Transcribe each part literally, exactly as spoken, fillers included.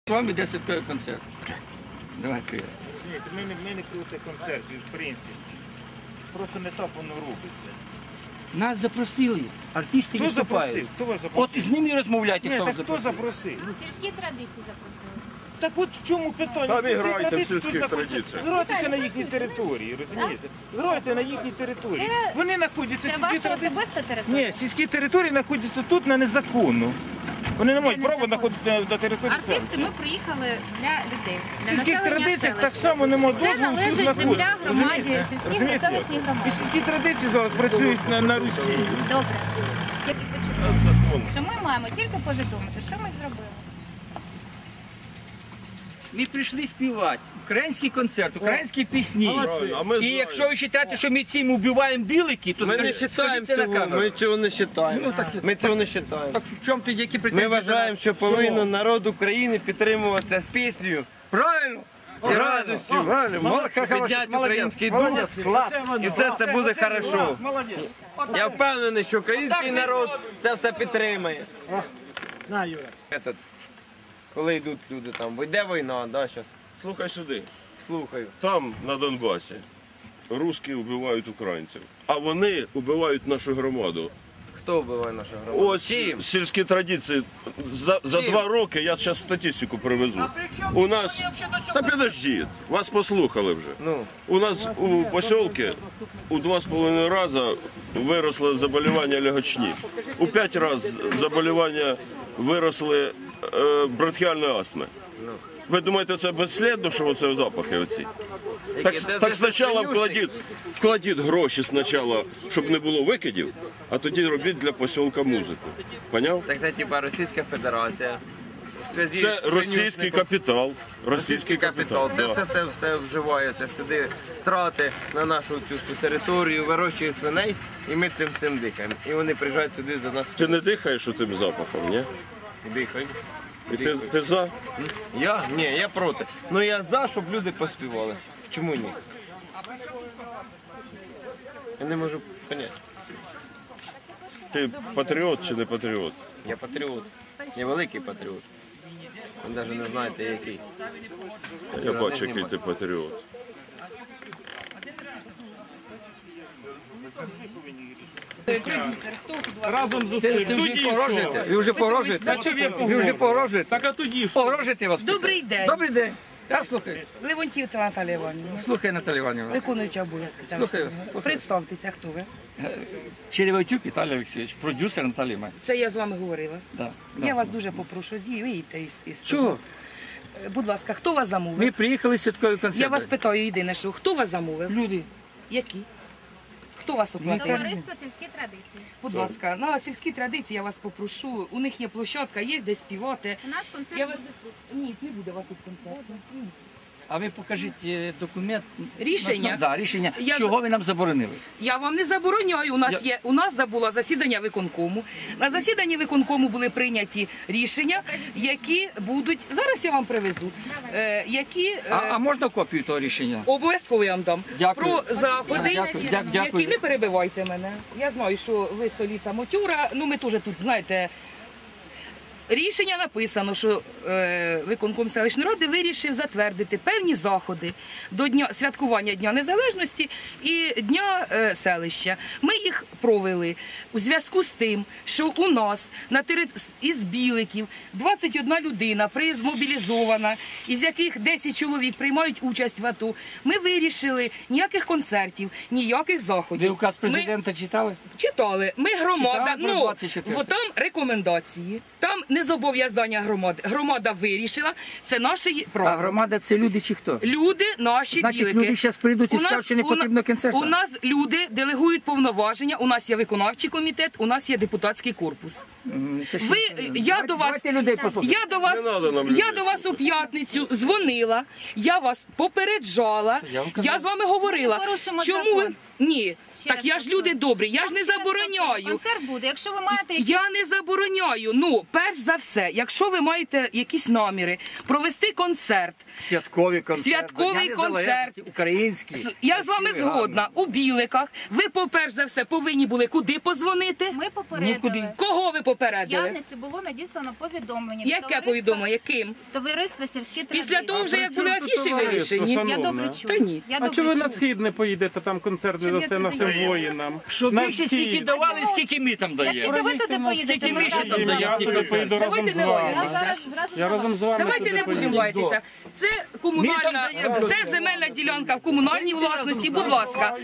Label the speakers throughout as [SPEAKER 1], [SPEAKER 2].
[SPEAKER 1] Вам іде святковий концерт. Давай, привіт.
[SPEAKER 2] Ні, ми не, ми не проти концертів, в принципі. Просто не так воно робиться.
[SPEAKER 1] Нас запросили, артисти
[SPEAKER 2] Хто
[SPEAKER 1] виступають.
[SPEAKER 2] запросив? Хто вас запросив?
[SPEAKER 1] От з ними розмовляйте,
[SPEAKER 2] Ні,
[SPEAKER 1] хто
[SPEAKER 2] так
[SPEAKER 1] вас
[SPEAKER 2] хто
[SPEAKER 1] запросив.
[SPEAKER 2] запросив?
[SPEAKER 3] Сільські традиції запросили.
[SPEAKER 2] Так от в чому питання?
[SPEAKER 4] Там і
[SPEAKER 2] Сільські
[SPEAKER 4] грайте в
[SPEAKER 2] традиції,
[SPEAKER 4] сільських
[SPEAKER 2] тут знаходяться-
[SPEAKER 4] традиціях.
[SPEAKER 2] Грайтеся на їхній території, розумієте? Грайте на їхній території.
[SPEAKER 3] Це-
[SPEAKER 2] Вони знаходяться,
[SPEAKER 3] Це
[SPEAKER 2] сільські
[SPEAKER 3] ваша
[SPEAKER 2] традиції.
[SPEAKER 3] особиста територія?
[SPEAKER 2] Ні, сільські території знаходяться тут на незаконну. Вони не мають права
[SPEAKER 3] незаконно.
[SPEAKER 2] знаходитися на території
[SPEAKER 3] Артисти,
[SPEAKER 2] селища.
[SPEAKER 3] ми приїхали для людей.
[SPEAKER 2] В
[SPEAKER 3] для
[SPEAKER 2] сільських
[SPEAKER 3] населення
[SPEAKER 2] традиціях
[SPEAKER 3] селища.
[SPEAKER 2] так само немає
[SPEAKER 3] Це
[SPEAKER 2] дозволу тут
[SPEAKER 3] належить
[SPEAKER 2] знаходитися.
[SPEAKER 3] земля громаді,
[SPEAKER 2] Розумієте?
[SPEAKER 3] сільській
[SPEAKER 2] Розумієте?
[SPEAKER 3] та селищній громаді.
[SPEAKER 2] І сільські традиції зараз працюють на, на Русі.
[SPEAKER 3] Добре. Я і почитаю,
[SPEAKER 4] Закон.
[SPEAKER 3] що ми маємо тільки повідомити, що ми зробили.
[SPEAKER 1] Ми прийшли співати. Український концерт, українські пісні.
[SPEAKER 4] Молодці. А ми
[SPEAKER 1] І
[SPEAKER 4] знаємо.
[SPEAKER 1] якщо ви вважаєте, що ми цим убиваємо білики, то
[SPEAKER 5] Ми не
[SPEAKER 1] скажіть,
[SPEAKER 5] вважаємо
[SPEAKER 1] скажіть це на
[SPEAKER 5] цього,
[SPEAKER 1] камеру.
[SPEAKER 5] ми цього не вважаємо.
[SPEAKER 1] Ну, так-
[SPEAKER 5] Ми цього не вважаємо.
[SPEAKER 1] Так в чому тоді які претензії?
[SPEAKER 5] Ми
[SPEAKER 1] до
[SPEAKER 5] вважаємо,
[SPEAKER 1] нас?
[SPEAKER 5] що повинен народ України підтримуватися піснею
[SPEAKER 1] Правильно.
[SPEAKER 5] і радістю, підняти український дух, і все це буде хорошо. Я впевнений, що український народ це все підтримає. Этот, Коли йдуть люди там, йде війна, да, зараз
[SPEAKER 4] Слухай сюди.
[SPEAKER 5] слухаю.
[SPEAKER 4] Там, на Донбасі, русські вбивають українців, а вони вбивають нашу громаду.
[SPEAKER 5] Хто вбиває нашу громаду?
[SPEAKER 4] Ось
[SPEAKER 5] Чим?
[SPEAKER 4] сільські традиції. За, за
[SPEAKER 5] Чим?
[SPEAKER 4] два роки, я зараз статистику привезу. У нас, та підождіть, вас послухали вже.
[SPEAKER 5] Ну,
[SPEAKER 4] У нас у посілки у два з половиною рази виросло заболівання легочні. У п'ять разів заболівання виросли е, бронхіальної астми. Ви думаєте, це безслідно, що оце запахи оці? Так,
[SPEAKER 5] Які? Це-
[SPEAKER 4] так
[SPEAKER 5] це
[SPEAKER 4] спочатку
[SPEAKER 5] свинюшник?
[SPEAKER 4] вкладіть, вкладіть гроші спочатку, щоб не було викидів, а тоді робіть для посілка музику. Поняв?
[SPEAKER 5] так це типа Російська Федерація. В зв'язку
[SPEAKER 4] Це
[SPEAKER 5] з
[SPEAKER 4] російський
[SPEAKER 5] винюшником.
[SPEAKER 4] капітал.
[SPEAKER 5] Російський капітал. Це
[SPEAKER 4] да.
[SPEAKER 5] все, все, все вживається сюди, трати на нашу цю всю територію, вирощує свиней, і ми цим всім дихаємо. І вони приїжджають сюди за нас
[SPEAKER 4] Ти не дихаєш тим запахом, ні?
[SPEAKER 5] дихають.
[SPEAKER 4] І ти, ти за?
[SPEAKER 5] Я? Ні, я проти. Ну я за, щоб люди поспівали. Чому ні? Я не можу поняти.
[SPEAKER 4] Ти патріот чи не патріот?
[SPEAKER 5] Я патріот. Я великий патріот. Ви навіть не знаєте який.
[SPEAKER 4] Я бачу, який ти патріот.
[SPEAKER 1] Разом з усім. Це вже погрожуєте? Ви вже погрожуєте? Ви вже погрожуєте? Так а тоді що? Погрожуєте вас?
[SPEAKER 6] Добрий день.
[SPEAKER 1] Добрий день. Я слухаю.
[SPEAKER 6] Левонтівцева Наталія Іванівна.
[SPEAKER 1] Слухай, Наталія Іванівна.
[SPEAKER 6] Виконуюча обов'язки.
[SPEAKER 1] Слухаю,
[SPEAKER 6] селищного.
[SPEAKER 1] слухаю.
[SPEAKER 6] Представтеся, хто ви.
[SPEAKER 1] Череватюк Віталій Олексійович, продюсер Наталії Іванівни.
[SPEAKER 6] Це я з вами говорила.
[SPEAKER 1] Да,
[SPEAKER 6] Я
[SPEAKER 1] да.
[SPEAKER 6] вас дуже попрошу, з'їдьте із, із
[SPEAKER 1] Чого?
[SPEAKER 6] того. Е, Будь ласка, хто вас замовив?
[SPEAKER 1] Ми приїхали з святковий концерт.
[SPEAKER 6] Я вас питаю єдине, що хто вас замовив?
[SPEAKER 1] Люди.
[SPEAKER 6] Які? Хто вас оплатив?
[SPEAKER 3] Товариство сільські традиції.
[SPEAKER 6] Будь ласка, на сільські традиції я вас попрошу. У них є площадка, є де співати.
[SPEAKER 3] У нас концерт
[SPEAKER 6] Я вас...
[SPEAKER 3] буде.
[SPEAKER 6] Ні, не буде у вас тут концерту. Ні.
[SPEAKER 1] А ви покажіть е, документ.
[SPEAKER 6] Рішення?
[SPEAKER 1] На- Да, рішення.
[SPEAKER 6] Я
[SPEAKER 1] Чого
[SPEAKER 6] за-
[SPEAKER 1] ви нам заборонили?
[SPEAKER 6] Я вам не забороняю. У нас
[SPEAKER 1] Я-
[SPEAKER 6] є у нас забуло засідання виконкому. На засіданні виконкому були прийняті рішення, які будуть зараз. Я вам привезу. Е, які е,
[SPEAKER 1] А, а можна копію того рішення?
[SPEAKER 6] обов'язково я вам дам
[SPEAKER 1] Дякую.
[SPEAKER 6] про заходи,
[SPEAKER 1] Дякую, дя- дякую.
[SPEAKER 6] які не перебивайте мене. Я знаю, що ви столиця Мотюра. Ну ми теж тут знаєте. Рішення написано, що е, виконком селищної ради вирішив затвердити певні заходи до дня святкування Дня Незалежності і Дня е, селища. Ми їх провели у зв'язку з тим, що у нас на тери... із Біликів двадцять одна людина призмобілізована, із яких десять чоловік приймають участь в АТО. Ми вирішили ніяких концертів, ніяких заходів.
[SPEAKER 1] Ви указ
[SPEAKER 6] Ми-
[SPEAKER 1] президента читали?
[SPEAKER 6] Читали. Ми громада,
[SPEAKER 1] Читали про
[SPEAKER 6] ну,
[SPEAKER 1] двадцять четверте?
[SPEAKER 6] во там рекомендації, там не зобов'язання громади. Громада вирішила, це наше є-
[SPEAKER 1] А
[SPEAKER 6] право.
[SPEAKER 1] громада це люди чи хто?
[SPEAKER 6] Люди наші
[SPEAKER 1] Значить,
[SPEAKER 6] білики.
[SPEAKER 1] люди зараз прийдуть і
[SPEAKER 6] У нас-
[SPEAKER 1] скажуть, що не
[SPEAKER 6] у на-
[SPEAKER 1] потрібно концерту.
[SPEAKER 6] У нас люди делегують повноваження, у нас є виконавчий комітет, у нас є депутатський корпус.
[SPEAKER 1] М, це ж-
[SPEAKER 6] Ви, я до вас,
[SPEAKER 1] Давайте людей послухаємо.
[SPEAKER 6] я до вас,
[SPEAKER 4] Не надо нам
[SPEAKER 6] я
[SPEAKER 4] людей
[SPEAKER 6] до вас у п'ятницю дзвонила, я вас попереджала,
[SPEAKER 1] Я вам казав.
[SPEAKER 6] я з вами говорила.
[SPEAKER 3] Ми не порушимо
[SPEAKER 6] Чому ви?
[SPEAKER 3] закон.
[SPEAKER 6] Ні,
[SPEAKER 3] Ще
[SPEAKER 6] так
[SPEAKER 3] раз
[SPEAKER 6] я ж
[SPEAKER 3] повторюю.
[SPEAKER 6] люди добрі, я ж не
[SPEAKER 3] Ще раз повторюю,
[SPEAKER 6] забороняю.
[SPEAKER 3] Концерт буде. Якщо ви маєте якісь
[SPEAKER 6] Я не забороняю. Ну, перш за все, якщо ви маєте якісь наміри провести концерт,
[SPEAKER 1] Святковий концерт.
[SPEAKER 6] Святковий
[SPEAKER 1] Дня
[SPEAKER 6] концерт.
[SPEAKER 1] Незалежності, український.
[SPEAKER 6] я з вами
[SPEAKER 1] Красивий,
[SPEAKER 6] згодна, у Біликах, ви, по-перш за все, повинні були куди позвонити?
[SPEAKER 3] Ми попередили.
[SPEAKER 1] Нікуди.
[SPEAKER 6] Кого ви
[SPEAKER 3] В
[SPEAKER 6] попередили?
[SPEAKER 3] п'ятницю було надіслано повідомлення. від
[SPEAKER 6] Яке
[SPEAKER 3] товариства-
[SPEAKER 6] повідомлення? Яким?
[SPEAKER 3] Товариство сільські традиції.
[SPEAKER 6] Після того вже, як були
[SPEAKER 7] при чому тут
[SPEAKER 6] афіші
[SPEAKER 7] товариство,
[SPEAKER 6] вивішені?
[SPEAKER 7] шановна?
[SPEAKER 3] Я добре чую.
[SPEAKER 6] Та ні.
[SPEAKER 3] Я
[SPEAKER 7] А
[SPEAKER 3] добре
[SPEAKER 7] чого ви на
[SPEAKER 3] чую.
[SPEAKER 7] схід не поїдете, там концерт
[SPEAKER 3] Щоб я
[SPEAKER 7] дасте
[SPEAKER 3] туди
[SPEAKER 7] нашим
[SPEAKER 3] їхала?
[SPEAKER 7] воїнам?
[SPEAKER 1] Щоб
[SPEAKER 7] На
[SPEAKER 1] ви ще
[SPEAKER 7] схід.
[SPEAKER 1] скільки давали, скільки ми там
[SPEAKER 3] Як
[SPEAKER 1] даємо.
[SPEAKER 3] тільки ви туди поїдете,
[SPEAKER 1] Скільки
[SPEAKER 3] ми
[SPEAKER 1] ми ще
[SPEAKER 3] разом
[SPEAKER 1] там
[SPEAKER 3] з
[SPEAKER 1] даємо?
[SPEAKER 7] Я
[SPEAKER 3] вами.
[SPEAKER 7] туди поїду разом
[SPEAKER 6] Давайте
[SPEAKER 7] з
[SPEAKER 6] не
[SPEAKER 7] вами.
[SPEAKER 3] Я
[SPEAKER 6] лаємося.
[SPEAKER 3] зараз зразу
[SPEAKER 7] Я
[SPEAKER 3] з
[SPEAKER 7] разом з вами
[SPEAKER 6] Давайте
[SPEAKER 7] туди
[SPEAKER 6] не будемо
[SPEAKER 7] поїду.
[SPEAKER 6] лаятися. Це комунальна,
[SPEAKER 1] Ми там даємо.
[SPEAKER 6] це земельна ділянка в комунальній власності. Будь ласка,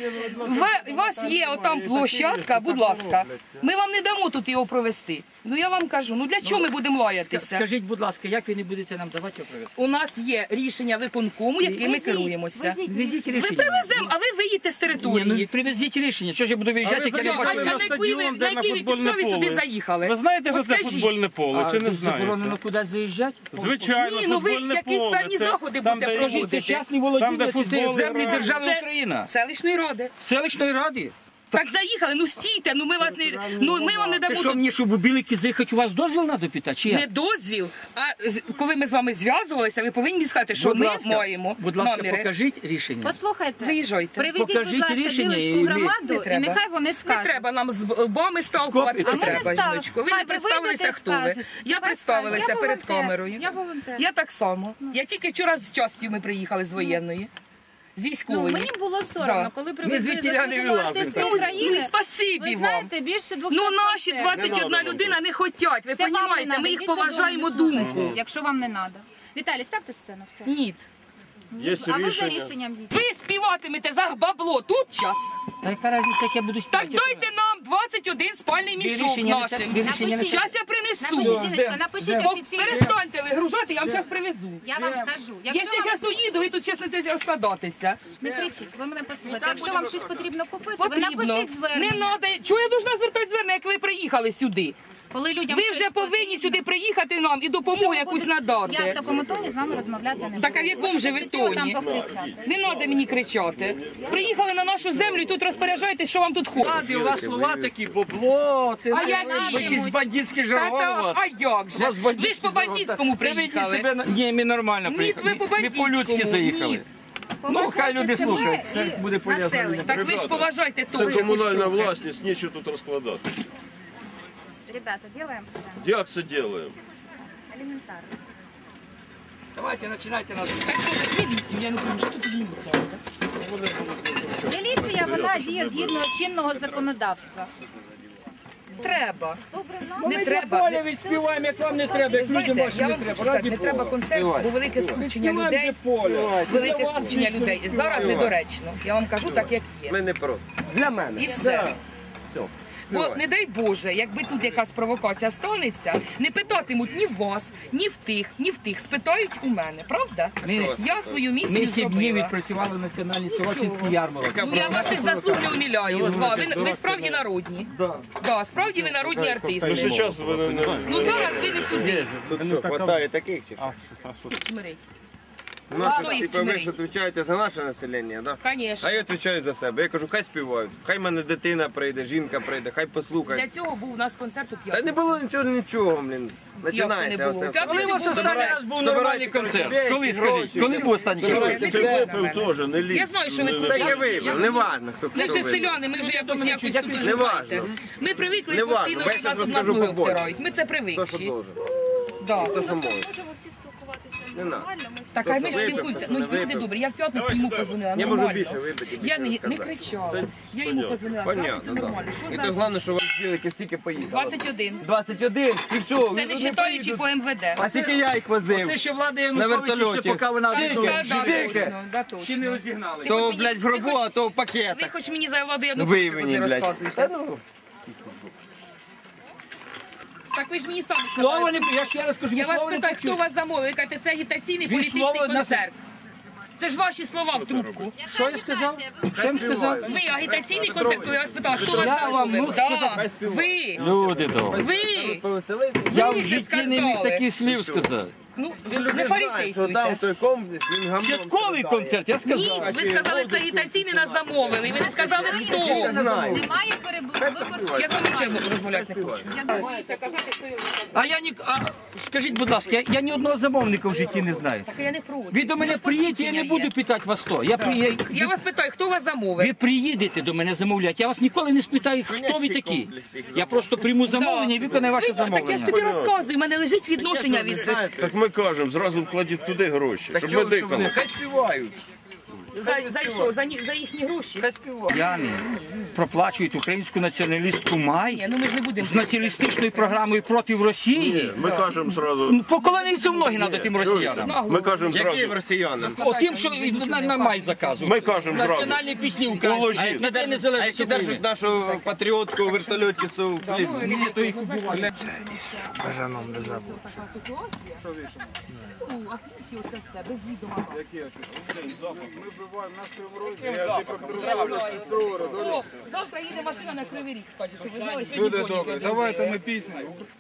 [SPEAKER 6] у вас є отам площадка, будь ласка. Ми вам не дамо тут його провести. Ну я вам кажу, ну для чого ми будемо лаятися?
[SPEAKER 1] Скажіть, будь ласка, як ви не будете нам давати його привезти?
[SPEAKER 6] У нас є рішення виконкому, яким ми
[SPEAKER 3] Везіть,
[SPEAKER 6] керуємося.
[SPEAKER 3] везіть.
[SPEAKER 1] Везіть
[SPEAKER 6] Ми
[SPEAKER 1] рішення.
[SPEAKER 6] привеземо, а ви виїдете з
[SPEAKER 1] Ні,
[SPEAKER 6] території.
[SPEAKER 1] ну привезіть рішення. Чого ж я буду виїжджати, як я не
[SPEAKER 6] А
[SPEAKER 1] бачу?
[SPEAKER 6] на
[SPEAKER 7] на
[SPEAKER 6] якій ви-
[SPEAKER 7] стадіон,
[SPEAKER 6] на
[SPEAKER 7] де на
[SPEAKER 6] якій ви
[SPEAKER 7] футбольне
[SPEAKER 6] підставі сюди
[SPEAKER 7] поле.
[SPEAKER 6] заїхали?
[SPEAKER 7] Ви знаєте, що
[SPEAKER 6] От
[SPEAKER 7] це
[SPEAKER 6] скажіть.
[SPEAKER 7] футбольне поле, чи не
[SPEAKER 1] А заборонено
[SPEAKER 7] знаєте?
[SPEAKER 1] кудись заїжджати?
[SPEAKER 7] Звичайно,
[SPEAKER 6] Ні, ну ви
[SPEAKER 7] футбольне
[SPEAKER 6] якісь
[SPEAKER 7] поле.
[SPEAKER 6] певні
[SPEAKER 7] Це
[SPEAKER 6] заходи
[SPEAKER 7] там,
[SPEAKER 6] будете
[SPEAKER 7] де
[SPEAKER 6] проводити.
[SPEAKER 1] Це частні
[SPEAKER 7] Там, де
[SPEAKER 1] володіння, чи це
[SPEAKER 7] футбол
[SPEAKER 1] землі
[SPEAKER 7] грають.
[SPEAKER 1] держави
[SPEAKER 6] Це
[SPEAKER 1] Україна.
[SPEAKER 6] селищної ради.
[SPEAKER 1] Селищної ради.
[SPEAKER 6] Так заїхали, ну стійте, ну ми вас не ну ми вам не
[SPEAKER 1] Ти
[SPEAKER 6] дамо
[SPEAKER 1] що,
[SPEAKER 6] тут
[SPEAKER 1] мені, щоб у Білики заїхати, у вас дозвіл треба питати, чи
[SPEAKER 6] не
[SPEAKER 1] як?
[SPEAKER 6] дозвіл. А з- коли ми з вами зв'язувалися, ви повинні мені сказати, що
[SPEAKER 1] Будь
[SPEAKER 6] ми
[SPEAKER 1] ласка,
[SPEAKER 6] маємо
[SPEAKER 1] Будь ласка,
[SPEAKER 6] наміри.
[SPEAKER 1] покажіть рішення.
[SPEAKER 3] Послухайте,
[SPEAKER 6] Виїжджайте.
[SPEAKER 3] приведіть,
[SPEAKER 1] Покажіть
[SPEAKER 3] будь ласка,
[SPEAKER 1] рішення, і
[SPEAKER 3] Білицьку
[SPEAKER 1] ми-
[SPEAKER 3] громаду,
[SPEAKER 6] Не
[SPEAKER 3] і
[SPEAKER 6] треба.
[SPEAKER 3] нехай вони
[SPEAKER 6] Не
[SPEAKER 3] скажуть.
[SPEAKER 6] треба нам з вами сталкувати,
[SPEAKER 1] А
[SPEAKER 6] не
[SPEAKER 1] ми не
[SPEAKER 6] треба,
[SPEAKER 3] стали.
[SPEAKER 6] жіночко. Ви
[SPEAKER 3] Хай
[SPEAKER 6] не
[SPEAKER 3] ви
[SPEAKER 6] представилися,
[SPEAKER 3] вийдете і
[SPEAKER 6] хто ви.
[SPEAKER 3] скажете.
[SPEAKER 6] Я
[SPEAKER 3] Хай
[SPEAKER 6] представилася
[SPEAKER 3] скажуть. Я
[SPEAKER 6] перед
[SPEAKER 3] волонтер.
[SPEAKER 6] камерою.
[SPEAKER 3] Я волонтер.
[SPEAKER 6] Я так само. Я тільки вчора з частю ми приїхали з воєнної. З
[SPEAKER 3] Ну,
[SPEAKER 6] військової.
[SPEAKER 3] мені було соромно,
[SPEAKER 6] Да.
[SPEAKER 3] коли
[SPEAKER 1] Ми
[SPEAKER 3] привезли
[SPEAKER 1] звідтіля не
[SPEAKER 3] заслуженого
[SPEAKER 1] вилазимо.
[SPEAKER 3] артиста
[SPEAKER 6] Ну,
[SPEAKER 3] України.
[SPEAKER 6] ну, спасибі
[SPEAKER 3] Ви
[SPEAKER 6] вам.
[SPEAKER 3] знаєте, більше двохсот
[SPEAKER 6] Ну наші
[SPEAKER 3] концертів.
[SPEAKER 6] двадцять одна людина не хотять, ви
[SPEAKER 3] Це вам не
[SPEAKER 6] розумієте,
[SPEAKER 3] надо,
[SPEAKER 6] ми їх
[SPEAKER 3] йдіть додому,
[SPEAKER 6] поважаємо
[SPEAKER 3] не слухайте,
[SPEAKER 6] думку.
[SPEAKER 3] якщо вам не треба. Віталій, ставте сцену, все.
[SPEAKER 6] Ні.
[SPEAKER 4] Є
[SPEAKER 3] А ви за
[SPEAKER 4] рішення.
[SPEAKER 3] рішенням йдіть.
[SPEAKER 6] Ви співатимете за бабло тут час.
[SPEAKER 1] Та яка різниця, як я буду
[SPEAKER 6] Так
[SPEAKER 1] співати?
[SPEAKER 6] дайте нам двадцять один спальний
[SPEAKER 1] Ви
[SPEAKER 6] мішок
[SPEAKER 1] рішення не
[SPEAKER 6] нашим.
[SPEAKER 1] ви рішення не
[SPEAKER 3] Напишіть.
[SPEAKER 6] Зараз я принесу.
[SPEAKER 3] Напишіть, жіночка, напишіть
[SPEAKER 6] Бо
[SPEAKER 3] офіційно.
[SPEAKER 6] перестаньте вигружати, я вам зараз привезу.
[SPEAKER 3] Я вам кажу, якщо
[SPEAKER 6] Якщо я
[SPEAKER 3] вам...
[SPEAKER 6] зараз уїду, ви тут чеснете розкладатися.
[SPEAKER 3] Не кричіть, ви мене послухайте. Якщо вам щось потрібно купити, ви
[SPEAKER 6] Потрібно.
[SPEAKER 3] напишіть
[SPEAKER 6] Не
[SPEAKER 3] звернення.
[SPEAKER 6] треба. Чого я должна звертати звернення, як ви приїхали сюди?
[SPEAKER 3] Коли людям
[SPEAKER 6] Ви
[SPEAKER 3] щось
[SPEAKER 6] вже повинні
[SPEAKER 3] потрібно,
[SPEAKER 6] сюди приїхати нам і
[SPEAKER 3] що
[SPEAKER 6] допомогу
[SPEAKER 3] ви
[SPEAKER 6] якусь
[SPEAKER 3] будете- Я в
[SPEAKER 6] надати.
[SPEAKER 3] такому тоні з вами розмовляти не буду.
[SPEAKER 6] Так а в якому же ви
[SPEAKER 3] Хотіла там
[SPEAKER 6] тоні?
[SPEAKER 3] покричати.
[SPEAKER 6] Не треба мені кричати. Приїхали на нашу землю і тут розпоряджаєтесь, що вам тут хочуть.
[SPEAKER 1] Ради, у вас слова такі, бабло, це
[SPEAKER 6] А
[SPEAKER 1] це
[SPEAKER 6] які?
[SPEAKER 1] якісь бандитські
[SPEAKER 6] Та
[SPEAKER 1] жаргон у
[SPEAKER 6] та-
[SPEAKER 1] вас.
[SPEAKER 6] А як же?
[SPEAKER 1] У вас бандитські
[SPEAKER 6] Ви ж по
[SPEAKER 1] жаргон.
[SPEAKER 6] бандитському
[SPEAKER 1] Та ведіть
[SPEAKER 6] приїхали.
[SPEAKER 1] себе на- Ні, ми нормально
[SPEAKER 6] Ні,
[SPEAKER 1] приїхали.
[SPEAKER 6] ви по
[SPEAKER 1] Ми
[SPEAKER 6] бандитському.
[SPEAKER 1] по-людськи заїхали.
[SPEAKER 6] Ні.
[SPEAKER 1] Ну, хай люди
[SPEAKER 3] Поважайте
[SPEAKER 1] слухають,
[SPEAKER 3] себе
[SPEAKER 1] це
[SPEAKER 3] і
[SPEAKER 1] буде полезно.
[SPEAKER 3] населення.
[SPEAKER 6] Так ви ж поважайте
[SPEAKER 4] Це
[SPEAKER 6] теж.
[SPEAKER 4] комунальна власність, нічого тут розкладати.
[SPEAKER 3] Ребята, делаем сцену.
[SPEAKER 4] Як це робимо?
[SPEAKER 3] Елементарно.
[SPEAKER 1] Давайте, починайте нас.
[SPEAKER 6] Так що міліцію, я не знаю, що тут міліція.
[SPEAKER 3] Міліція, вона діє згідно чинного законодавства.
[SPEAKER 6] Треба.
[SPEAKER 1] Не
[SPEAKER 6] Не
[SPEAKER 1] треба.
[SPEAKER 6] треба.
[SPEAKER 1] Поля відспіваємо, як вам не треба, як людям
[SPEAKER 6] Знаєте,
[SPEAKER 1] вашим
[SPEAKER 6] я
[SPEAKER 1] не
[SPEAKER 6] вам
[SPEAKER 1] треба.
[SPEAKER 6] хочу сказати,
[SPEAKER 1] Раді
[SPEAKER 6] не треба
[SPEAKER 1] Бога.
[SPEAKER 6] концерт, бо велике скупчення людей.
[SPEAKER 1] Поля.
[SPEAKER 6] Велике скупчення людей. Зараз недоречно. Я вам кажу так, як є.
[SPEAKER 5] Ми не проти.
[SPEAKER 1] Для мене.
[SPEAKER 6] І все. Бо не дай Боже, якби тут якась провокація станеться, не питатимуть ні в вас, ні в тих, ні в тих. Спитають у мене, правда?
[SPEAKER 1] Ми-
[SPEAKER 6] Я свою місію
[SPEAKER 1] Ми сім днів
[SPEAKER 6] зробила.
[SPEAKER 1] відпрацювали національний Сорочинський ярмарок.
[SPEAKER 6] Ну я ваших заслуг не уміляю. Ва, Ви, ви справді народні. Да, справді ви народні
[SPEAKER 4] Ну,
[SPEAKER 6] артисти.
[SPEAKER 4] зараз ви не- не...
[SPEAKER 6] Ну зараз ви не сюди.
[SPEAKER 5] Тут що, хватає таких чи що?
[SPEAKER 6] Чмирить.
[SPEAKER 5] У нас
[SPEAKER 6] Хто
[SPEAKER 5] ж,
[SPEAKER 6] їх
[SPEAKER 5] типа, ви
[SPEAKER 6] чмирить?
[SPEAKER 5] ж відповідаєте за наше населення, так?
[SPEAKER 6] Конечно.
[SPEAKER 5] А я відповідаю за себе. Я кажу, хай співають. Хай в мене дитина прийде, жінка прийде, хай
[SPEAKER 6] Для
[SPEAKER 5] послухає.
[SPEAKER 6] цього був у нас концерт у
[SPEAKER 5] Та
[SPEAKER 6] п'ятницю.
[SPEAKER 5] не було нічого, нічого, блін. Починається
[SPEAKER 6] було?
[SPEAKER 5] оце
[SPEAKER 6] В
[SPEAKER 5] все.
[SPEAKER 6] п'ятницю
[SPEAKER 1] Коли у вас
[SPEAKER 6] був
[SPEAKER 1] останній
[SPEAKER 6] концерт.
[SPEAKER 1] раз був нормальний концерт? Коли, скажіть? Коли був останній концерт?
[SPEAKER 6] Давайте,
[SPEAKER 4] Ти випив теж, не лізь.
[SPEAKER 6] Я знаю, що ви тут.
[SPEAKER 5] Та я вибив, не важно, хто
[SPEAKER 6] Ми
[SPEAKER 5] хто
[SPEAKER 6] вже
[SPEAKER 5] вибив.
[SPEAKER 6] селяни, ми вже якось якось тут
[SPEAKER 5] Не
[SPEAKER 6] живаєте.
[SPEAKER 5] важно.
[SPEAKER 6] Ми привикли
[SPEAKER 5] Не важно,
[SPEAKER 6] постійно,
[SPEAKER 5] бо я
[SPEAKER 6] що нас
[SPEAKER 5] щас
[SPEAKER 6] тут нас
[SPEAKER 5] розкажу
[SPEAKER 6] ноги
[SPEAKER 5] побольше.
[SPEAKER 6] втирають. Ми це
[SPEAKER 5] Хто що
[SPEAKER 6] привикші.
[SPEAKER 5] должен.
[SPEAKER 6] Да.
[SPEAKER 5] Хто що може.
[SPEAKER 3] Можемо всі спілкуватися
[SPEAKER 5] Не надо.
[SPEAKER 3] нормально, ми всі.
[SPEAKER 6] Так, а ми
[SPEAKER 5] що випив,
[SPEAKER 6] спілкуємося.
[SPEAKER 5] хто
[SPEAKER 6] Ну,
[SPEAKER 5] не
[SPEAKER 6] люди
[SPEAKER 5] випив.
[SPEAKER 6] добрі, я в п'ятницю йому позвонила,
[SPEAKER 5] Я можу
[SPEAKER 6] нормально.
[SPEAKER 5] більше випити,
[SPEAKER 6] Я не,
[SPEAKER 5] більше
[SPEAKER 6] не
[SPEAKER 5] розказати.
[SPEAKER 6] кричала. Я йому позвонила, в п'ятницю
[SPEAKER 5] Понятно,
[SPEAKER 6] нормально. Що
[SPEAKER 5] так. І
[SPEAKER 6] за
[SPEAKER 5] то головне, що вам спілики всі поїхали.
[SPEAKER 6] двадцять один.
[SPEAKER 5] двадцять один, і все.
[SPEAKER 6] Це
[SPEAKER 5] ви
[SPEAKER 6] не
[SPEAKER 5] не
[SPEAKER 6] вважаючи
[SPEAKER 5] поїдуть.
[SPEAKER 6] по ем ве де.
[SPEAKER 5] А скільки я їх возив?
[SPEAKER 1] Це ще влада
[SPEAKER 5] На
[SPEAKER 1] Януковича, ще
[SPEAKER 5] вертольоті.
[SPEAKER 1] поки вона
[SPEAKER 5] Скільки?
[SPEAKER 1] відновила.
[SPEAKER 6] Да, да,
[SPEAKER 5] Скільки?
[SPEAKER 6] точно, да, точно.
[SPEAKER 1] Ще не розігнали.
[SPEAKER 5] То,
[SPEAKER 6] мені-
[SPEAKER 5] блядь, в
[SPEAKER 6] ви
[SPEAKER 5] гробу,
[SPEAKER 6] хоч-
[SPEAKER 5] а то в
[SPEAKER 6] Ви
[SPEAKER 5] пакетах.
[SPEAKER 6] хоч мені за владу
[SPEAKER 5] Ви
[SPEAKER 6] Януковича
[SPEAKER 5] мені,
[SPEAKER 6] не
[SPEAKER 5] блядь.
[SPEAKER 6] розказуєте.
[SPEAKER 5] Та ну.
[SPEAKER 6] Так ви ж мені самі
[SPEAKER 1] Слово
[SPEAKER 6] сказали.
[SPEAKER 1] не... Я ще раз кажу,
[SPEAKER 6] Я
[SPEAKER 1] ви
[SPEAKER 6] вас
[SPEAKER 1] слово не
[SPEAKER 6] питаю, хто
[SPEAKER 1] почули.
[SPEAKER 6] вас замовив? Ви кажете, це агітаційний
[SPEAKER 1] Ви
[SPEAKER 6] політичний
[SPEAKER 1] слово на-
[SPEAKER 6] концерт. Це ж ваші слова в трубку.
[SPEAKER 1] Що я сказав? Що я сказав?
[SPEAKER 6] Ви агітаційний концерт, то я вас питала, хто вас
[SPEAKER 1] Я вам,
[SPEAKER 6] замовив?
[SPEAKER 1] ну,
[SPEAKER 6] Да.
[SPEAKER 5] співаю.
[SPEAKER 6] Ви,
[SPEAKER 1] Люди добрі.
[SPEAKER 6] ви.
[SPEAKER 5] Повеселитись.
[SPEAKER 1] Я
[SPEAKER 6] Ви
[SPEAKER 1] в
[SPEAKER 6] це
[SPEAKER 1] житті не міг
[SPEAKER 6] сказали.
[SPEAKER 1] таких слів сказати.
[SPEAKER 6] Ну,
[SPEAKER 5] Всі
[SPEAKER 6] не
[SPEAKER 5] люди знають, що
[SPEAKER 6] фарисействуйте.
[SPEAKER 5] там той комплекс, він гамном
[SPEAKER 1] Святковий
[SPEAKER 5] страдає.
[SPEAKER 1] концерт, я
[SPEAKER 6] Ні,
[SPEAKER 1] сказав.
[SPEAKER 6] ви сказали, це агітаційний нас замовили, і ви не сказали, хто.
[SPEAKER 5] Знаю.
[SPEAKER 3] Немає перебору.
[SPEAKER 6] Я з вами нічого розмовляти не хочу.
[SPEAKER 1] А я ні, а скажіть, будь ласка, я, я ні одного замовника в житті не знаю.
[SPEAKER 6] Так я не проти.
[SPEAKER 1] Ви до мене
[SPEAKER 6] У нас
[SPEAKER 1] приїдете, я не
[SPEAKER 6] посвідчення
[SPEAKER 1] буду
[SPEAKER 6] є.
[SPEAKER 1] питати вас то. Я, при... я...
[SPEAKER 6] Я вас питаю, хто вас замовив?
[SPEAKER 1] Ви приїдете до мене замовляти, я вас ніколи не спитаю, хто ви такі. Я просто прийму замовлення і виконаю ваше
[SPEAKER 6] Так я ж
[SPEAKER 1] замовлення.
[SPEAKER 6] тобі розказую, в мене лежить відношення від цих.
[SPEAKER 4] Так ми кажемо, зразу вкладіть туди гроші,
[SPEAKER 5] Так
[SPEAKER 4] щоб
[SPEAKER 5] чого,
[SPEAKER 4] ми
[SPEAKER 5] що вони?
[SPEAKER 4] дикали.
[SPEAKER 5] Хай співають.
[SPEAKER 6] За, за що? За, ні- за їхні гроші?
[SPEAKER 5] Хай співають.
[SPEAKER 1] Яни проплачують українську націоналістку
[SPEAKER 6] Ні,
[SPEAKER 1] Май
[SPEAKER 6] ну ми ж не будемо.
[SPEAKER 1] з націоналістичною програмою проти Росії.
[SPEAKER 4] Ми кажемо зразу,
[SPEAKER 1] Ну, Поколониться в ноги треба тим росіянам.
[SPEAKER 4] ми кажемо
[SPEAKER 5] Яким
[SPEAKER 4] зразу,
[SPEAKER 5] росіянам?
[SPEAKER 1] О, тим, що і на, на Май заказують.
[SPEAKER 4] ми кажемо зразу.
[SPEAKER 1] Національні пісні українські.
[SPEAKER 4] Положіть.
[SPEAKER 1] На День
[SPEAKER 5] А
[SPEAKER 1] Незалежності
[SPEAKER 5] які
[SPEAKER 1] України.
[SPEAKER 5] держать нашу патріотку вертольотчицю?
[SPEAKER 6] Бажаном не забудеться. Ну, а інші оце все, без відома. О, завтра їде машина на Кривий Ріг, кстати, щоб ви знали, сьогодні
[SPEAKER 8] Люди
[SPEAKER 6] Боні
[SPEAKER 8] добрі,
[SPEAKER 6] привезли.
[SPEAKER 8] давайте ми пісню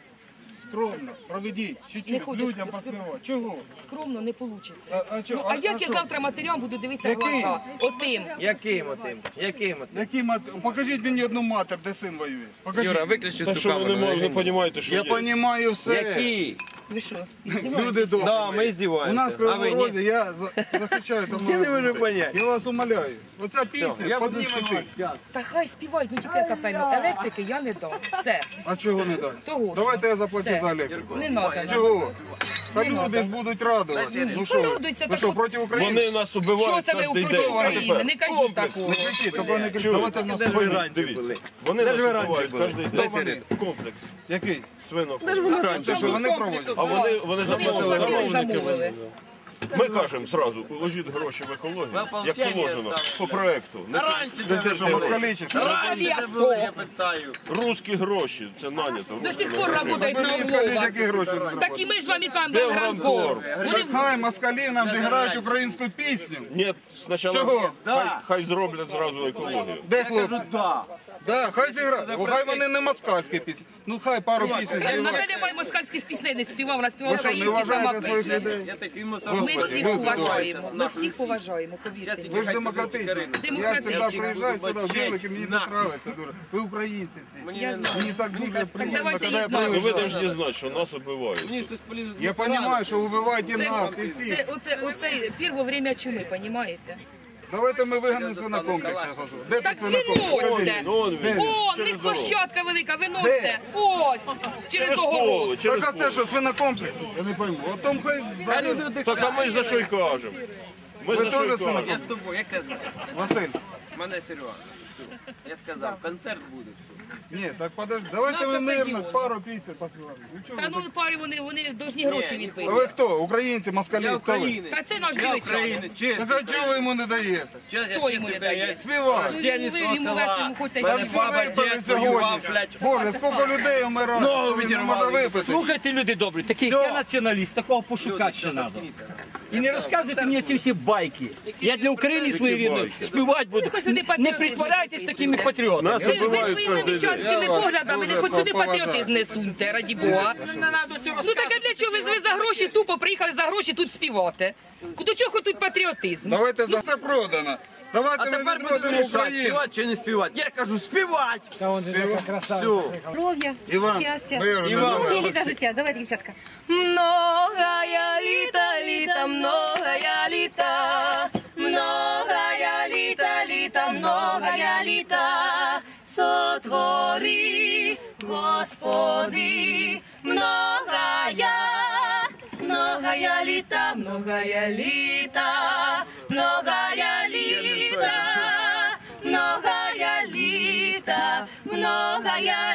[SPEAKER 8] скромно проведіть,
[SPEAKER 6] Не
[SPEAKER 8] чуть-чуть,
[SPEAKER 6] хочу
[SPEAKER 8] людям
[SPEAKER 6] ск-
[SPEAKER 8] поспівати. Чого?
[SPEAKER 6] Скромно не вийде.
[SPEAKER 8] А, а, чо-
[SPEAKER 6] Ну, а
[SPEAKER 8] а-
[SPEAKER 6] як
[SPEAKER 8] а
[SPEAKER 6] я
[SPEAKER 8] що?
[SPEAKER 6] завтра матерям буду дивитися в
[SPEAKER 8] Який?
[SPEAKER 6] глаза? Отим.
[SPEAKER 5] Яким отим? Яким отим?
[SPEAKER 8] Які мат... Покажіть мені одну матер, де син воює. Покажіть.
[SPEAKER 5] Юра, виключи
[SPEAKER 4] Та
[SPEAKER 5] цю
[SPEAKER 4] що ви не,
[SPEAKER 5] камеру.
[SPEAKER 4] не розумієте, що
[SPEAKER 8] Я
[SPEAKER 4] є?
[SPEAKER 8] розумію все.
[SPEAKER 5] Які?
[SPEAKER 6] Ви що?
[SPEAKER 8] Люди добрі.
[SPEAKER 5] Да, ми
[SPEAKER 8] У
[SPEAKER 5] здіваємося.
[SPEAKER 8] нас в
[SPEAKER 5] А ви
[SPEAKER 8] Кривому
[SPEAKER 5] ні?
[SPEAKER 8] Розі я за- захищаю там.
[SPEAKER 5] Я не
[SPEAKER 8] мої
[SPEAKER 5] можу
[SPEAKER 8] люди.
[SPEAKER 5] поняти.
[SPEAKER 8] Я вас умоляю. Оця пісня,
[SPEAKER 5] Я буду
[SPEAKER 8] підніме всіх.
[SPEAKER 5] співати.
[SPEAKER 6] Та хай співають, ну тільки капельно. Електрики я не дам. Все.
[SPEAKER 8] А чого не дати?
[SPEAKER 6] Того ж.
[SPEAKER 8] Давайте я заплачу
[SPEAKER 6] Все.
[SPEAKER 8] за електрику.
[SPEAKER 6] Не треба.
[SPEAKER 8] Чого? Та люди ж будуть радувати. Ну що,
[SPEAKER 6] Радуються,
[SPEAKER 8] ви
[SPEAKER 6] так
[SPEAKER 8] що,
[SPEAKER 6] от-
[SPEAKER 8] проти України?
[SPEAKER 4] Вони нас
[SPEAKER 6] Що
[SPEAKER 4] убивають
[SPEAKER 6] це ви
[SPEAKER 4] кожен
[SPEAKER 6] проти
[SPEAKER 4] день.
[SPEAKER 6] України? Не кажіть такого.
[SPEAKER 8] Не кричіть, тільки не кричіть. Давайте в нас
[SPEAKER 5] Де ж ви
[SPEAKER 8] свої.
[SPEAKER 5] раніше були?
[SPEAKER 4] Дивіться, вони
[SPEAKER 5] Де
[SPEAKER 4] нас
[SPEAKER 5] ж ви раніше
[SPEAKER 4] убивають
[SPEAKER 5] були?
[SPEAKER 4] кожен
[SPEAKER 5] Де
[SPEAKER 4] день.
[SPEAKER 5] вони?
[SPEAKER 4] Комплекс
[SPEAKER 8] Який?
[SPEAKER 4] свинок.
[SPEAKER 5] Де ж ви раніше
[SPEAKER 8] Це що,
[SPEAKER 5] були?
[SPEAKER 8] вони проводять?
[SPEAKER 4] А вони, вони
[SPEAKER 6] Вони
[SPEAKER 4] заплатили
[SPEAKER 6] поплатили,
[SPEAKER 4] замовники.
[SPEAKER 6] замовили.
[SPEAKER 4] Ми кажемо зразу, положіть гроші в екологію, як
[SPEAKER 5] ополчення
[SPEAKER 4] положено,
[SPEAKER 5] ставте.
[SPEAKER 4] по проекту. Не
[SPEAKER 5] А раніше
[SPEAKER 8] Це
[SPEAKER 5] де
[SPEAKER 8] що,
[SPEAKER 5] ви були?
[SPEAKER 8] москалі чи що?
[SPEAKER 6] Раді
[SPEAKER 5] Де були, я
[SPEAKER 6] хто?
[SPEAKER 5] питаю.
[SPEAKER 4] русські гроші, це нанято.
[SPEAKER 6] До сих пор працюють
[SPEAKER 8] Ви
[SPEAKER 6] на
[SPEAKER 8] мені скажіть,
[SPEAKER 6] умовах.
[SPEAKER 8] які гроші не
[SPEAKER 6] Так і ми ж вам і кажемо, Белгранкор.
[SPEAKER 8] Так хай москалі нам зіграють українську пісню.
[SPEAKER 4] Ні, спочатку
[SPEAKER 8] Чого?
[SPEAKER 4] хай, хай зроблять зразу екологію.
[SPEAKER 8] Де хлопці? Да, хай зіграють. Бо хай вони не москальські пісні. Ну хай пару пісень зіграють.
[SPEAKER 6] Наталя Май москальських пісень не співав, вона співала
[SPEAKER 8] Ви що, не
[SPEAKER 6] українські, сама
[SPEAKER 8] вважаєте своїх
[SPEAKER 6] пише.
[SPEAKER 8] людей?
[SPEAKER 5] Я такий
[SPEAKER 6] Ми
[SPEAKER 8] Господи,
[SPEAKER 6] всіх
[SPEAKER 8] люди
[SPEAKER 6] поважаємо, ми всіх поважаємо, повірте.
[SPEAKER 8] Ви ж демократичні. Я
[SPEAKER 6] Демократичні.
[SPEAKER 8] завжди приїжджаю сюди в Білик, і мені так подобається дуже. Ви українці всі.
[SPEAKER 6] Я знаю.
[SPEAKER 8] Мені так дуже приємно,
[SPEAKER 6] давайте
[SPEAKER 8] коли я
[SPEAKER 6] їх
[SPEAKER 4] Ну ви
[SPEAKER 8] приїжджаю.
[SPEAKER 4] повинні знати, що нас убивають.
[SPEAKER 8] Я розумію, що вбиваєте нас і
[SPEAKER 6] Це,
[SPEAKER 8] всіх.
[SPEAKER 6] це, оце, оце перше время чуми, розумієте?
[SPEAKER 8] Давайте ми виганемо свинокомплекс зараз. Де
[SPEAKER 6] Так
[SPEAKER 8] тут свинокомплекс?
[SPEAKER 6] виносьте.
[SPEAKER 4] Ну, он він.
[SPEAKER 6] О, в
[SPEAKER 4] Через
[SPEAKER 6] них
[SPEAKER 4] дорогу.
[SPEAKER 6] площадка велика, виносьте. Ось, через
[SPEAKER 4] Через
[SPEAKER 6] огород.
[SPEAKER 4] поле, через
[SPEAKER 8] Так а це
[SPEAKER 4] поле.
[SPEAKER 8] що, свинокомплекс? Я не пойму. От там хай...
[SPEAKER 4] Так а ми за що й кажемо? Ми
[SPEAKER 8] Ви
[SPEAKER 4] за що й
[SPEAKER 8] теж
[SPEAKER 4] кажемо?
[SPEAKER 8] свинокомплекс?
[SPEAKER 5] Я з тобою, як тебе звати?
[SPEAKER 8] Василь,
[SPEAKER 5] Мене Серега. Я сказав, концерт буде.
[SPEAKER 8] ні, так подожди. Давайте
[SPEAKER 6] На
[SPEAKER 8] ми мирно
[SPEAKER 6] стадіон.
[SPEAKER 8] пару пісень поспіваємо. Ну, чого
[SPEAKER 6] Та
[SPEAKER 8] ви
[SPEAKER 6] ну парі вони, вони повинні гроші
[SPEAKER 8] А
[SPEAKER 6] відбити.
[SPEAKER 8] ви хто? Українці, москалі?
[SPEAKER 5] Я
[SPEAKER 8] Хто ви?
[SPEAKER 5] українець.
[SPEAKER 6] Та це наш
[SPEAKER 5] Я
[SPEAKER 6] біличанин.
[SPEAKER 5] українець, чесно.
[SPEAKER 8] Так а чого ви йому не даєте?
[SPEAKER 6] Хто йому не дає?
[SPEAKER 8] Співай.
[SPEAKER 6] Ну, йому ви- йому вести, йому хочеться
[SPEAKER 8] Та
[SPEAKER 6] й
[SPEAKER 8] всі
[SPEAKER 6] співати.
[SPEAKER 8] випили
[SPEAKER 5] дід
[SPEAKER 8] сьогодні.
[SPEAKER 5] воював, блядь.
[SPEAKER 8] Боже, скільки людей вмирає.
[SPEAKER 5] Ногу
[SPEAKER 8] Він не може
[SPEAKER 5] відірвали.
[SPEAKER 8] випити.
[SPEAKER 1] Слухайте, люди добрі, такий як я націоналіст, такого пошукати ще треба. І не розказуйте мені ці всі байки. Я для України своєї рідної співати буду.
[SPEAKER 6] Ну, хоч сюди
[SPEAKER 1] Не
[SPEAKER 6] патріотизм
[SPEAKER 1] притворяйтесь такими
[SPEAKER 6] записуйте.
[SPEAKER 1] патріотами.
[SPEAKER 4] Нас
[SPEAKER 6] Ви, ви
[SPEAKER 4] убивають
[SPEAKER 6] своїми
[SPEAKER 4] кожен день.
[SPEAKER 6] міщанськими
[SPEAKER 8] Я вас
[SPEAKER 6] поглядами не
[SPEAKER 8] дуже
[SPEAKER 6] хоч сюди
[SPEAKER 8] поважаю.
[SPEAKER 6] патріотизм не суньте, раді Бога. Ну так а для чого ви, ви за гроші тупо приїхали за гроші тут співати? До чого тут патріотизм?
[SPEAKER 8] Давайте за це продано. Давайте
[SPEAKER 5] А
[SPEAKER 8] ми
[SPEAKER 5] тепер будемо
[SPEAKER 8] відродимо
[SPEAKER 5] рішати,
[SPEAKER 8] Україну.
[SPEAKER 5] співати чи не співати. Я кажу, співати! Все.
[SPEAKER 3] Здоров'я,
[SPEAKER 8] Іван,
[SPEAKER 3] щастя.
[SPEAKER 8] миру, не
[SPEAKER 5] Іван.
[SPEAKER 8] забувай.
[SPEAKER 3] Многие літа життя. Давайте, дівчатка.
[SPEAKER 6] Многая літа, літа, многая літа, многая літа, літа, многая літа, сотвори, Господи, многая, многая літа, многая літа, многая літа, многая літа, многая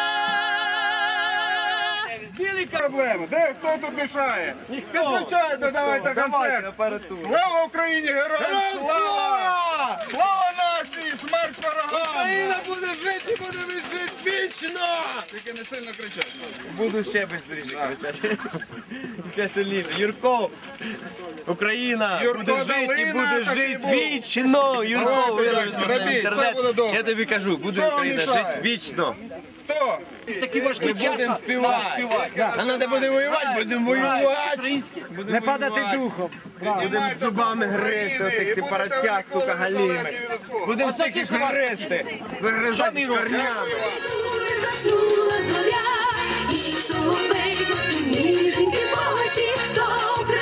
[SPEAKER 6] літа.
[SPEAKER 8] Проблема. Де хто тут мішає? Підключайте, давайте концерт. Слава Україні, героям слава! Слава нації, смерть ворогам!
[SPEAKER 5] Україна буде жити, буде жити вічно!
[SPEAKER 8] Тільки не сильно кричати.
[SPEAKER 5] Буду ще швидше кричати. Ще сильніше. Юрко, Україна
[SPEAKER 8] Юрко
[SPEAKER 5] буде жити і
[SPEAKER 8] Долина,
[SPEAKER 5] буде
[SPEAKER 8] так і
[SPEAKER 5] жити
[SPEAKER 8] був.
[SPEAKER 5] вічно. Юрко,
[SPEAKER 8] Давайте,
[SPEAKER 5] виложи це
[SPEAKER 8] робіть,
[SPEAKER 5] в інтернет.
[SPEAKER 8] все буде добре.
[SPEAKER 5] Я тобі кажу, буде
[SPEAKER 8] Що вам
[SPEAKER 5] Україна
[SPEAKER 8] мішає?
[SPEAKER 5] жити вічно.
[SPEAKER 8] Хто?
[SPEAKER 1] Такі важкі
[SPEAKER 5] Ми
[SPEAKER 1] часи
[SPEAKER 5] будемо співати.
[SPEAKER 1] співати.
[SPEAKER 5] А треба буде воювати, будемо воювати.
[SPEAKER 1] Українські.
[SPEAKER 2] Не падати духом.
[SPEAKER 5] Будемо зубами гризти, отих сепаратяк, сука, галіми. Будемо всіх гризти, вигризати з корнями.
[SPEAKER 9] Заснула зоря, і соловейко, ніжненький голосі, то